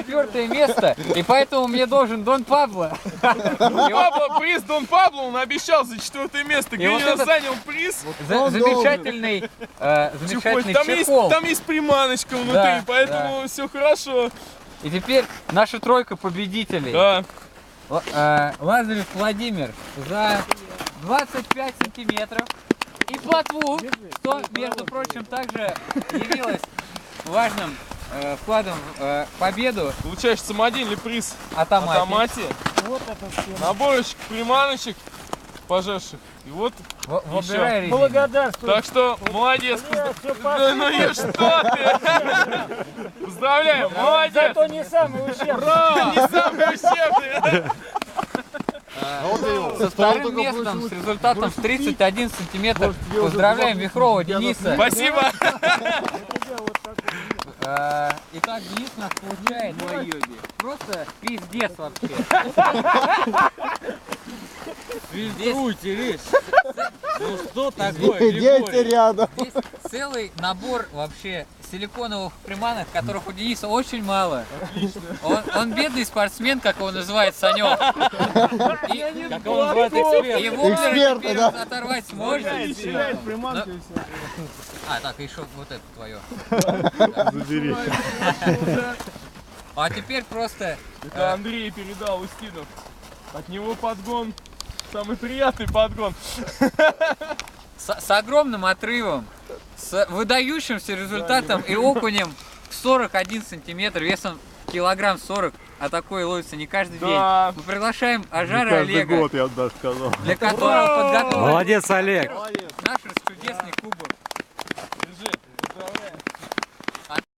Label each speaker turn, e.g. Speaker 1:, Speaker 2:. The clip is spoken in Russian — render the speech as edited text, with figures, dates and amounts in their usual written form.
Speaker 1: 4 место, и поэтому мне должен Дон Пабло.
Speaker 2: Пабло, приз Дон Пабло, он обещал за 4 место.
Speaker 1: И вот
Speaker 2: Гринер
Speaker 1: этот-
Speaker 2: занял приз.
Speaker 1: Замечательный чехол.
Speaker 2: Там есть приманочка внутри,
Speaker 1: Да,
Speaker 2: поэтому все хорошо.
Speaker 1: И теперь наша тройка победителей.
Speaker 2: Да.
Speaker 1: Лазарев Владимир за 25 сантиметров. И плотву, что, между прочим, также явилось важным вкладом в победу.
Speaker 2: Получаешь самодельный приз
Speaker 1: от
Speaker 2: от
Speaker 1: Амати.
Speaker 2: Амати.
Speaker 3: Вот это все.
Speaker 2: Наборочек приманочек пожарших. И вот
Speaker 1: Выбирай резину.
Speaker 3: Благодарствую.
Speaker 2: так что молодец.
Speaker 3: Бля, всё
Speaker 2: Да ну и что ты? Поздравляем, молодец.
Speaker 3: Зато не самый ущербный.
Speaker 2: Ура! Не самый ущербный.
Speaker 1: Со вторым местом с результатом в 31 сантиметр поздравляем Вихрова Дениса.
Speaker 2: Спасибо.
Speaker 1: Итак, Денис у нас получает просто пиздец вообще. Фильтруйте, ну что такое,
Speaker 4: Идите рядом.
Speaker 1: Здесь целый набор вообще силиконовых приманок, которых у Дениса очень мало. Он бедный спортсмен, как его называет Санек. Как его называет эксперт. И воблеры
Speaker 4: Эксперт,
Speaker 1: теперь
Speaker 4: да.
Speaker 1: оторвать сможет.
Speaker 3: Приманку и все.
Speaker 1: А, так, еще вот это твое.
Speaker 4: Забери.
Speaker 1: А теперь просто...
Speaker 2: Это Андрей передал Устинов. От него подгон. Самый приятный подгон.
Speaker 1: С огромным отрывом, с выдающимся результатом и окунем в 41 сантиметр, весом килограмм 40, а такой ловится не каждый
Speaker 2: Да.
Speaker 1: день. Мы приглашаем Ажара
Speaker 4: Каждый
Speaker 1: Олега,
Speaker 4: год, я бы даже сказал.
Speaker 1: для которого подготовлен
Speaker 5: Молодец, Олег.
Speaker 1: наш чудесный кубок.